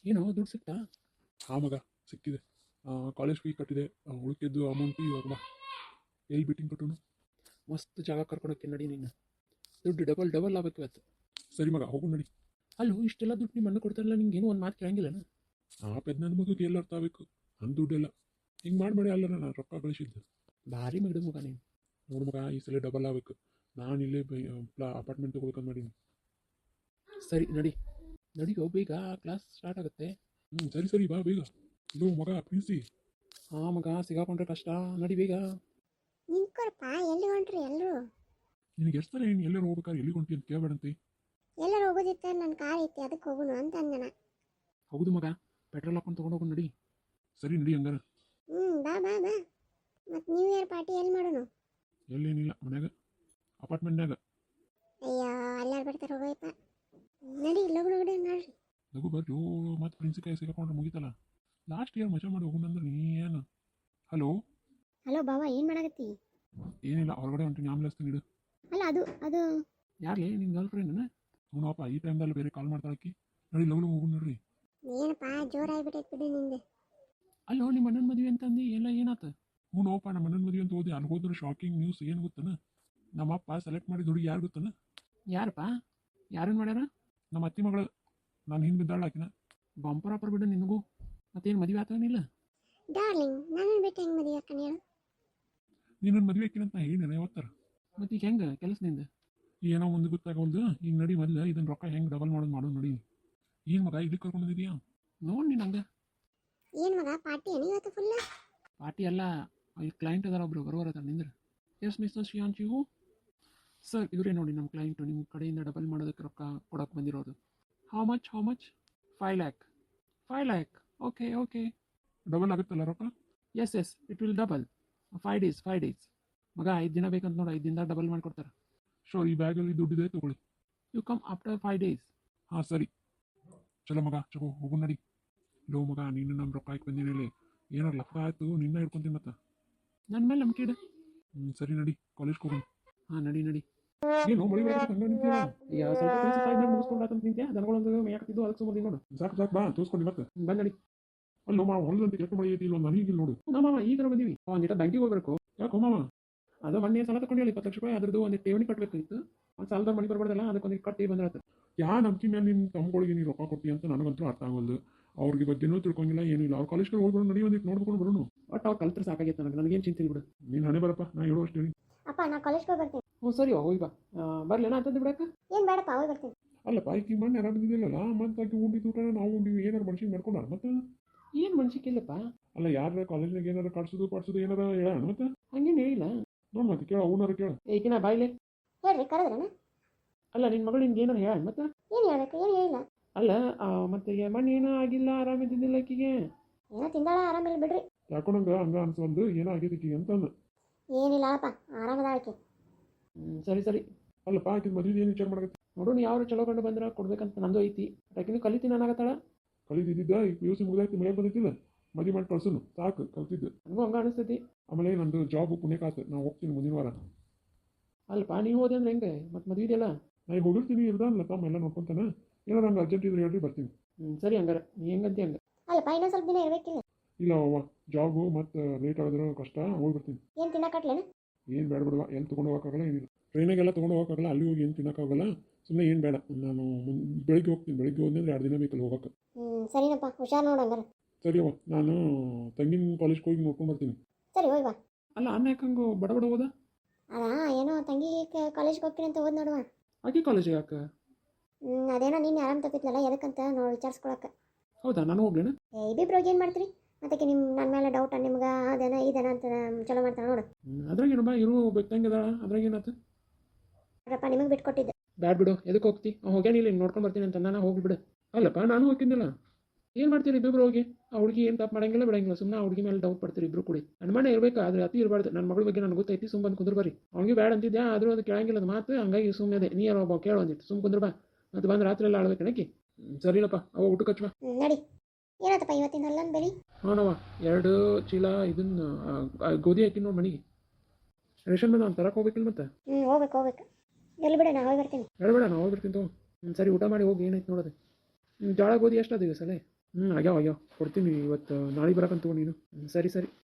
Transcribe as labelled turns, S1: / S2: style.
S1: ಏನು ದುಡ್ಡು ಸಿಕ್ತಾ?
S2: ಹಾಂ ಮಗ, ಸಿಕ್ಕಿದೆ. ಕಾಲೇಜ್ ಫೀ ಕಟ್ಟಿದೆ, ಉಳಿಕೆದ್ದು ಅಮೌಂಟ್ ಇವಾಗ ಬಾ. ಎಲ್ಲಿ ಬಿಟ್ಟಿಂಗ್ ಕಟ್ಟೋನು?
S1: ಮಸ್ತ್ ಜಾಗ ಕರ್ಕೊಳಕ್ಕೆ ನಡಿ ನೀನು. ದುಡ್ಡು ಡಬಲ್ ಡಬಲ್ ಆಗ್ಬೇಕು ಇವತ್ತು.
S2: ಸರಿ ಮಗ, ಹೋಗು ನಡಿ.
S1: ಅಲ್ಲೋ ಇಷ್ಟೆಲ್ಲ ದುಡ್ಡು ನಿಮ್ಮ ಅಣ್ಣ ಕೊಡ್ತಾರಲ್ಲ, ನಿಂಗೆ ಏನೋ ಒಂದು ಮಾತು ಕೇಳಂಗಿಲ್ಲನ?
S2: ಆ ನನ್ನ ಮಗಗೆ ಎಲ್ಲ ಅರ್ಥ ಆಗಬೇಕು. ನನ್ನ ದುಡ್ಡೆಲ್ಲ ಹಿಂಗೆ ಮಾಡಿ ಅಲ್ಲ ನಾನು ರೊಕ್ಕ ಗಳಿಸಿದ್ದು.
S1: ಭಾರಿ ಮಿಡು ಮಗ ನೀನು.
S2: ನೋಡು ಮಗ, ಈ ಸಲ ಡಬಲ್ ಆಗಬೇಕು. ನಾನು ಇಲ್ಲೇ ಅಪಾರ್ಟ್ಮೆಂಟ್ ತೊಗೋಬೇಕಂತ ಮಾಡೀನಿ.
S1: ಸರಿ ನಡಿ ನಡಿಯೋ, ಬೇಗ ಕ್ಲಾಸ್ ಸ್ಟಾರ್ಟ್ ಆಗುತ್ತೆ.
S2: ಸರಿ ಸರಿ, ಬಾ ಬೇಗ. ಇದು ಮಗ ಪ್ರಿನ್ಸಿ.
S1: ಹಾಂ ಮಗ, ಸಿಗಾಕೊಂಡ್ರೆ ಕಷ್ಟ. ನಡಿ ಬೇಗ.
S3: ನಿಂತ್ಕೊರಪ್ಪ, ಎಲ್ಲಿ ಹೊಂಟ್ರಿ ಎಲ್ಲರೂ?
S2: ನಿನಗೆ ಎಷ್ಟು ಸಲ ನೀನು ಎಲ್ಲರೂ ಹೋಗ್ಬೇಕಾದ್ರೆ ಎಲ್ಲಿ ಹೊಂಟಿ ಅಂತ ಕೇಳಬೇಡಂತೆ.
S3: ಎಲ್ಲರೂ ಹೋಗೋದಿತ್ತ, ನನ್ನ ಕಾರ್ ಐತಿ ಅದಕ್ಕೆ ಹೋಗೋಣ ಅಂತ ಅಂದನ.
S1: ಹೌದು ಮಗ, ಪೆಟ್ರೋಲ್ ಹಾಕೊಂಡು ತೊಗೊಂಡೋಗು ನಡಿ.
S2: ಸರಿ ನಡಿ ಹಂಗಾರ.
S3: ಬಾ ಬಾ ಬಾ. ಮತ್ತು ನ್ಯೂ ಇಯರ್ ಪಾರ್ಟಿ ಎಲ್ಲಿ ಮಾಡೋಣ?
S2: ಎಲ್ಲೇನಿಲ್ಲ, ಮನ್ಯಾಗ ಅಪಾರ್ಟ್ಮೆಂಟ್ನಾಗ.
S3: ಅಯ್ಯೋ, ಎಲ್ಲಾರು ಬರ್ತಾರೆ, ಹೋಗೋಯಪ್ಪ. ನಡಿ ಲಗು ಲಗಡೆ ನೋಡ್ರಿ.
S2: ಲಗು ಬರ್ರಿ. ಮತ್ತು ಪ್ರಿನ್ಸಿಕಾಯಿ ಸಿಗಾಕೊಂಡ್ರೆ ಮುಗಿತಲ್ಲ. ಲಾಸ್ಟ್ ಇಯರ್ ಮಜಾ ಮಾಡಿ ಹೋಗೋಣಂದ್ರೆ ನೀ ಏನು? ಹಲೋ
S3: ಹಲೋ ಬಾವ, ಏನು ಮಾಡಾಕತ್ತಿ?
S2: ಏನಿಲ್ಲ, ಹೊರಗಡೆ ಹೊಂಟೀನಿ, ಆಮೇಲೆ ಹಚ್ತೀನಿ ಇಡು.
S3: ಅಲ್ಲ ಅದು
S1: ಯಾರ್ಲಿ ನಿನ್ನ ಗರ್ಲ್ ಫ್ರೆಂಡ್ನ?
S2: ನೋಡಪ್ಪ, ಈ ಟೈಮ್ದಲ್ಲಿ ಬೇರೆ ಕಾಲ್ ಮಾಡ್ತಾಳಕ್ಕಿ. ನಡಿ ಲಗು ಲಗು ಹೋಗೋಣ ನೋಡ್ರಿ.
S3: ಏನಪ್ಪ ಜೋರಾಗ್ಬಿಟ್ಟೈತೆ ಬಿಡು ನಿಂದು.
S1: ಅಲ್ಲೋ ನಿಮ್ಮ ಅಣ್ಣನ ಮದುವೆ ಅಂತಂದು ಎಲ್ಲ ಏನಾತ?
S2: ನೋಡಪ್ಪ, ನಮ್ಮ ಅಣ್ಣನ ಮದುವೆ ಅಂತ ಓದಿ ಅಲ್ಲಿ ಹೋದ್ರೆ ಶಾಕಿಂಗ್ ನ್ಯೂಸ್ ಏನು ಗೊತ್ತನ? ನಮ್ಮಪ್ಪ ಸೆಲೆಕ್ಟ್ ಮಾಡಿದ ಹುಡುಗಿ ಯಾರು ಗೊತ್ತನ?
S1: ಯಾರಪ್ಪ? ಯಾರನ್ನು ಮಾಡ್ಯಾರ?
S2: ನಮ್ಮ ಅತ್ತಿ ಮಗಳು. ನಾನು ಹಿಂದೆ ಬಿದ್ದಾಳ ಆಕಿನ.
S1: ಬಂಪರ್ ಆಪರ್ ಬಿಡು ನಿನಗೂ. ಮತ್ತೇನು ಮದುವೆ ಆತನಿಲ್ಲ?
S3: ಡಾರ್ಲಿಂಗ್, ನನ್ನನ್ನು ಬಿಟ್ಟು ಹೆಂಗೆ ಮದುವೆ ಅಕ್ಕನ ಹೇಳು?
S2: ನೀನು ಮದುವೆ ಆಕಿನಂತ ಹೇಳಿನ ಯಾವತ್ತರ?
S1: ಮತ್ತೆ ಈಗ ಹೆಂಗೆ ಕೆಲಸದಿಂದ?
S2: ಏನೋ ಒಂದು ಗೊತ್ತಾಗವಲ್ದು. ಈಗ ನಡಿ ಮೊದಲು ಇದನ್ನ ರೊಕ್ಕ ಹೆಂಗೆ ಡಬಲ್ ಮಾಡೋದು ನೋಡಿ. ಏನು ಮಗ ಇಲ್ಲಿ ಕರ್ಕೊಂಡು ಬಂದಿದ್ಯಾ?
S1: ನೋಡಿ ನೀನು ಹಂಗೆ.
S3: ಏನು ಮಗ, ಪಾರ್ಟಿ ಏನು ಇವತ್ತು ಫುಲ್ಲ?
S1: ಪಾರ್ಟಿ ಅಲ್ಲ, ಈ ಕ್ಲೈಂಟ್ ಅದಾರ ಒಬ್ರು ಬರೋರ ಹತ್ರ ನಿಂದ್ರೆ. ಎಸ್ ಮಿಸ್ಟರ್ ಶ್ರೀಯಾಂಶಿವು ಸರ್, ಇವರೇ ನೋಡಿ ನಮ್ಮ ಕ್ಲೈಂಟು. ನಿಮ್ಮ ಕಡೆಯಿಂದ ಡಬಲ್ ಮಾಡೋದಕ್ಕೆ ರೊಕ್ಕ ಕೊಡೋಕೆ ಬಂದಿರೋದು. How much 5 lakh. 5 lakh. Okay.
S2: Double ಆಗುತ್ತಲ್ಲ ರೊಕ್ಕ?
S1: Yes it will double. 5 days ಮಗ. 5 ದಿನ ಬೇಕಂತ ನೋಡಿ, 5 ದಿನದಾಗ ಡಬಲ್ ಮಾಡಿಕೊಡ್ತಾರೆ.
S2: ಶೋರ್, ಈ ಬ್ಯಾಗಲ್ಲಿ ದುಡ್ಡಿದೆ, ತಗೊಳ್ಳಿ.
S1: You come after 5 days.
S2: ಹಾಂ ಸರಿ. ಚಲೋ ಮಗ, ಚಗೋ ಹೋಗು ನಡಿ. ಲೋ ಮಗ, ನೀನು ನಮ್ಮ ರೊಕ್ಕ ಹಾಕಿ ಬಂದಿನಲ್ಲಿ ಏನಾರು ಲಫ ಆಯಿತು, ನಿನ್ನ ಹಿಡ್ಕೊಂತೀನಿ ಮತ್ತೆ.
S1: ನನ್ನ ಮೇಲೆ ನಂಬಿಕೆ ಇಡು.
S2: ಸರಿ ನಡಿ, ಕಾಲೇಜ್ಗೆ ಹೋಗೋಣ.
S1: ಹಾಂ ನಡಿ.
S2: ಏನು ಮಳಿ ಹಂಗ ನಿಂತೀವ?
S1: ಈಗ ಸ್ವಲ್ಪ ಕೆಲಸ ಸಾಯ್ದಾಗ ಮುಗಿಸ್ಕೊಂಡಾತಂತ ನಿಂತೆ, ದನಗಳೊಂದು ಮೇಯಾಕತ್ತಿದ್ದು ಅದಕ್ಕೆ ಸುಮ್ಮನೆ ನೋಡು.
S2: ಸಾಕು ಬಾ, ತೋರಿಸ್ಕೊಂಡು ಮತ್ತೆ.
S1: ಬಂದು ನಡಿ.
S2: ಅಲ್ಲೋ ಮಾವ, ಹೊಲದಂತೆ ಕೆಟ್ಟ ಮಳೆ ಐತಿ, ಇಲ್ಲೊಂದು ನನಗೆ ನೋಡು.
S1: ಮಾವ ಈಗ ಬಂದೀವಿ. ಒಂದಿಟ ಬ್ಯಾಂಕಿಗೆ ಹೋಗ್ಬೇಕು.
S2: ಯಾಕೋ ಮಾವ?
S1: ಅದು ಮೊನ್ನೆ ಸಾಲ ತಗೊಂಡು 20 ಲಕ್ಷ ರೂಪಾಯಿ ಅದ್ರದ್ದು ಒಂದು ಠೇವಣಿ ಕಟ್ಟಬೇಕಿತ್ತು. ಒಂದು ಸಾಲದ ಮನೆ ಬರಬಾರ್ದಲ್ಲ, ಅದಕ್ಕೊಂದು ಕಟ್ಟಿ ಬಂದಿರತ್ತೆ.
S2: ಯಾ ನಂಬಿಕೆ ಮೇಲೆ ನಿನ್ನ ತಮ್ಮಗಳಿಗೆ ನೀನು ರೊಕ್ಕ ಕೊಟ್ಟಿ ಅಂತ ನನಗಂತೂ ಅರ್ಥ ಆಗೋದು. ಅವ್ರಿಗೆ ಬಗ್ಗೆನೂ ತಿಳ್ಕೊಂಗಿಲ್ಲ, ಏನಿಲ್ಲ. ಅವ್ರ ಕಾಲೇಜ್ಗೆ ಹೋಗ್ಬಿಡು, ನಡಿ, ಒಂದಿಟ್ಟು ನೋಡ್ಕೊಂಡು ಬರೋಣ.
S1: ಒಟ್ಟು ಅವ್ರು ಕಲ್ತ್ರೆ ಸಾಕಾಗೈತೆ ನನಗೇನು ಚಿಂತೆ ಬಿಡು.
S2: ನೀನು ಹಣೆ ಬರಪ್ಪ, ನಾ ಹೇಳೋ ಅಷ್ಟೇ.
S3: ಅಪ್ಪ, ನಾ ಕಾಲೇಜ್ಗೆ ಹೋಗಿ ಬರ್ತೀನಿ.
S1: ಹ್ಞೂ ಸರಿ, ಹೋಗಿ ಬಾ. ಬರ್ಲೇನ ಅಂತಂದು ಬಿಡಕ್ಕೆ?
S3: ಏನು ಬೇಡಪ್ಪ, ಹೋಗಿ ಬರ್ತೀನಿ.
S2: ಅಲ್ಲಪ್ಪ, ಈಕಿ ಮಣ್ಣು ಯಾರಾಗಿದ್ದಿಲ್ಲಲ್ಲ, ಮತ್ತೆ ಆಕಿ ಉಂಡಿದ್ದು ಊಟ ನಾವು ಉಂಡಿವಿ, ಏನಾರು ಮನುಷ್ಯಗೆ ಮಾಡ್ಕೊಂಡ ಮತ್ತೆ?
S1: ಏನು ಮನ್ಸಿಕ್ಕಿಲ್ಲಪ್ಪ.
S2: ಅಲ್ಲ, ಯಾರ ಕಾಲೇಜ್ನಾಗ ಏನಾರು ಕಾಡ್ಸೋದು ಏನಾರ ಹೇಳ ಮತ್ತೆ?
S1: ಹಂಗೇನು ಹೇಳಿಲ್ಲ.
S2: ನೋಡು ಮತ್ತೆ, ಕೇಳ, ಅವನಾರು ಕೇಳ.
S1: ಏಕಿನ ಬಾಯ್ಲೆ
S3: ಹೇಳ್ರಿ, ಕರೆದ್ರನ?
S1: ಅಲ್ಲ, ನಿನ್ನ ಮಗಳು ನಿನ್ಗೆ ಏನಾರು ಹೇಳ ಮತ್ತೆ?
S3: ಏನು ಹೇಳ್ಬೇಕು, ಏನು ಹೇಳಿಲ್ಲ.
S1: ಅಲ್ಲ, ಮತ್ತೆ ಮಣ್ಣು ಏನೂ ಆಗಿಲ್ಲ, ಆರಾಮಿದ್ದಿದ್ದಿಲ್ಲ ಆಕಿಗೆ.
S3: ಏನೋ ತಿಂದಾಳ, ಆರಾಮಿಲ್ಲ ಬಿಡ್ರಿ.
S2: ಯಾಕೋ ನಂಗೆ ಹಂಗ ಅನ್ಸಲ್ದು, ಏನೋ ಆಗೈತಿ ಅಂತಂದು.
S3: ಏನಿಲ್ಲ ಅಪ್ಪ, ಆರಾಮದ ಆಕೆ.
S1: ಸರಿ.
S2: ಅಲ್ಲಪ್ಪ, ಆಕಿನ ಮದುವೆ ಏನು ವಿಚಾರ ಮಾಡಕತ್ತಿ?
S1: ನೋಡು, ಯಾರು ಚಲೋ ಕಂಡು ಬಂದ್ರೆ ಕೊಡ್ಬೇಕಂತ ನಂದು ಐತಿ. ಆಕಿನೂ ಕಲಿತೀನಿ ಅನ್ನಾಗತ್ತಾಳ.
S2: ಕಲಿತಿದ್ದ ಈಗ PUC ಮುಗಿದಾಯ್ತು, ಮಳೆ ಬಂದಿತ್ತಿಲ್ಲ, ಮದುವೆ ಮಾಡಿ ಕಳ್ಸೋನು ಸಾಕು, ಕಲ್ತಿದ್ದು.
S1: ನನಗೂ ಹಂಗ ಅನಿಸ್ತೈತಿ.
S2: ಆಮೇಲೆ ನಂದು ಜಾಬ್ ಪುಣ್ಯಕಾತು, ನಾನು ಹೋಗ್ತೀನಿ ಮುಂದಿನ ವಾರ.
S1: ಅಲ್ಪ ನೀವು ಹೋದೆ ಅಂದ್ರೆ ಹೆಂಗೆ ಮತ್ತೆ ಮದುವೆ ಇದೆಯಲ್ಲ?
S2: ನಾನು ಹೋಗಿರ್ತೀನಿ, ಇರ್ದಾನಲ್ಲ ತಮ್ಮ ಎಲ್ಲ ನೋಡ್ಕೊಂತಾನೆ. ಏನೋ ನಂಗೆ ಅರ್ಜೆಂಟ್ ಇದ್ರೆ ಹೇಳ್ರಿ, ಬರ್ತೀನಿ.
S1: ಸರಿ ಹಂಗಾರೆ, ನೀ ಹೆಂಗಂತಿ ಹಂಗೆ.
S3: ಅಲ್ಲಪ್ಪ, ಇನ್ನೊಂದು ಸ್ವಲ್ಪ ದಿನ ಇರಬೇಕಿಲ್ಲ.
S2: ಇಲ್ಲ ಅವ್ವ, ಜಾಬು ಮತ್ತು ಲೇಟ್ ಆಗಿದ್ರೆ ಕಷ್ಟ, ಹೋಗ್ಬಿಡ್ತೀನಿ.
S3: ಏನು ತಿನ್ನಕಟ್ಲೇನು?
S2: ಏನು ಬೇಡ ಬಿಡುವ, ಎಲ್ಲಿ ತೊಗೊಂಡು ಹೋಗೋಕ್ಕಾಗಲ್ಲ, ಏನಿಲ್ಲ. ಟ್ರೈನಾಗೆಲ್ಲ ತೊಗೊಂಡು ಹೋಗೋಕ್ಕಾಗಲ್ಲ, ಅಲ್ಲಿ ಹೋಗಿ ಏನು ತಿನ್ನೋಕ್ಕಾಗಲ್ಲ. ಸುಮ್ಮನೆ ಏನು ಬೇಡ, ನಾನು ಬೆಳಿಗ್ಗೆ ಹೋಗ್ತೀನಿ. ಬೆಳಿಗ್ಗೆ ಹೋದ್ನಂದ್ರೆ 2 ದಿನ ಬೇಕಲ್ಲ ಹೋಗೋಕ್ಕೆ.
S3: ಸರಿನಪ್ಪ, ಹುಷಾರು ನೋಡು ಹಂಗಾರೆ.
S2: ಸರಿ ಅವ್ವ, ನಾನು ತಂಗಿನ ಕಾಲೇಜ್ಗೆ ಹೋಗಿ ನೋಡ್ಕೊಂಡು ಬರ್ತೀನಿ.
S3: ಸರಿ, ಹೋಗಿ ಬಾ.
S1: ಅಲ್ಲ, ಅನ್ನ ಯಾಕಂಗೆ ಬಡ ಹೋದ?
S3: ಅದಾ ಏನೋ ತಂಗಿ ಕಾಲೇಜ್ಗೆ ಹೋಗ್ತೀನಿ ಅಂತ ಹೋದ್ ನೋಡುವ.
S1: ಆಕಿ ಕಾಲೇಜಿಗೆ ಯಾಕೆ?
S3: ಅದೇನೋ ನೀನು ಆರಾಮ್ ತಪ್ಪಿದ್ಲಲ್ಲ, ಎದಕ್ಕಂತ ನೋಡಿ ವಿಚಾರಿಸ್ಕೊಳಕ್ಕೆ.
S1: ಹೌದಾ, ನಾನು ಹೋಗ್ಲೇನ?
S3: ಇಬ್ಬಿಬ್ರು ಏನು ಮಾಡ್ತೀರಿ? ಅದಕ್ಕೆ ನನ್ನ ಮೇಲೆ ಡೌಟ ನಿಮ್ಗೆ. ಅದೇನ ಇದನ ಅಂತ ಚಲೋ ಮಾಡ್ತಾನೆ ನೋಡು.
S1: ಅದ್ರಾಗೇನಪ್ಪ, ಇರು ಬೇಕಂಗಿದಾಳ, ಅದ್ರಾಗೇನತ್ತ?
S3: ನೋಡಪ್ಪ, ನಿಮಗೆ ಬಿಟ್ಕೊಟ್ಟಿದ್ದೆ.
S1: ಬ್ಯಾಡ್ ಬಿಡು, ಎದಕ್ಕೆ ಹೋಗ್ತಿ? ಹೋಗ್ಯಾನಿಲ್ಲ, ನೋಡ್ಕೊಂಡು ಬರ್ತೀನಿ ಅಂತ ನಾನು ಹೋಗ್ಬಿಡು. ಅಲ್ಲಪ್ಪ, ನಾನು ಹೋಗ್ತಿದ್ದಿಲ್ಲ. ಏನು ಮಾಡ್ತೀರಿ ಇಬ್ಬರು ಹೋಗಿ? ಆ ಹುಡುಗಿ ಏನು ತಪ್ಪು ಮಾಡಂಗಿಲ್ಲ ಬಿಡಂಗಿಲ್ಲ, ಸುಮ್ಮನೆ ಆ ಹುಡುಗಿ ಮೇಲೆ ಡೌಟ್ ಪಡ್ತೀರಿ ಇಬ್ರು ಕೂಡಿ. ನನ್ನ ಮನೆ ಇರಬೇಕು, ಆದರೆ ಅತಿ ಇರಬಾರ್ದು. ನನ್ನ ಮಗಳ ಬಗ್ಗೆ ನನಗೆ ಗೊತ್ತೈತಿ, ಸುಮ್ಮನೆ ಕುಂದ್ರ ಬರ್ರಿ. ಅವ್ನಿಗೆ ಬ್ಯಾಡ್ ಅಂತಿದ್ದೆ, ಆದರೂ ಅದು ಕೇಳಂಗಿಲ್ಲ ಅದು ಮಾತು. ಹಂಗಾಗಿ ಸುಮ್ಮನೆ ಅದೇ, ನೀ ಯಾರೋ ಒಬ್ಬ ಕೇಳು ಅಂದಿತ್ತು, ಸುಮ್ಮನೆ ಕುಂದ್ರ ಬಾ. ಮತ್ತೆ ಬಂದು ರಾತ್ರಿ ಎಲ್ಲ ಆಳ್ಬೇಕು ನನಗೆ. ಸರಿನಪ್ಪ, ಅವ ಊಟಕ್ಕೆ ಹಚ್ಚುವ.
S3: ನಡಿ. ಏನತ್ತಪ್ಪ ಇವತ್ತಿನ ಅಲ್ಲೊಂದು ಬೆಳಿ?
S1: ಹಾನವ್ವ, 2 ಚೀಲ ಇದನ್ನು ಗೋಧಿ ಹಾಕಿ ನೋಡಿ ಮನೆಗೆ. ರೇಷನ್ ಬಂದ ತರಕ್ಕೆ ಹೋಗ್ಬೇಕಿಲ್ಲ ಮತ್ತೆ?
S3: ಹೋಗ್ಬೇಕು. ಎಲ್ಲಿ ಬಿಡ, ನಾ ಹೋಗಿ ಬರ್ತೀನಿ.
S1: ಬೇಡ, ನಾ ಹೋಗ್ಬಿಡ್ತೀನಿ ತಗೋ. ಸರಿ, ಊಟ ಮಾಡಿ ಹೋಗಿ, ಏನೈತೆ ನೋಡೋದು. ಜೋಳ ಗೋಧಿ ಎಷ್ಟು ಅದು ಸಲ? ಆಗ್ಯಾವ ಕೊಡ್ತೀನಿ ಇವತ್ತು ನಾಳೆ ಬರಕಂತ ನೀನು ಸರಿ ಸರಿ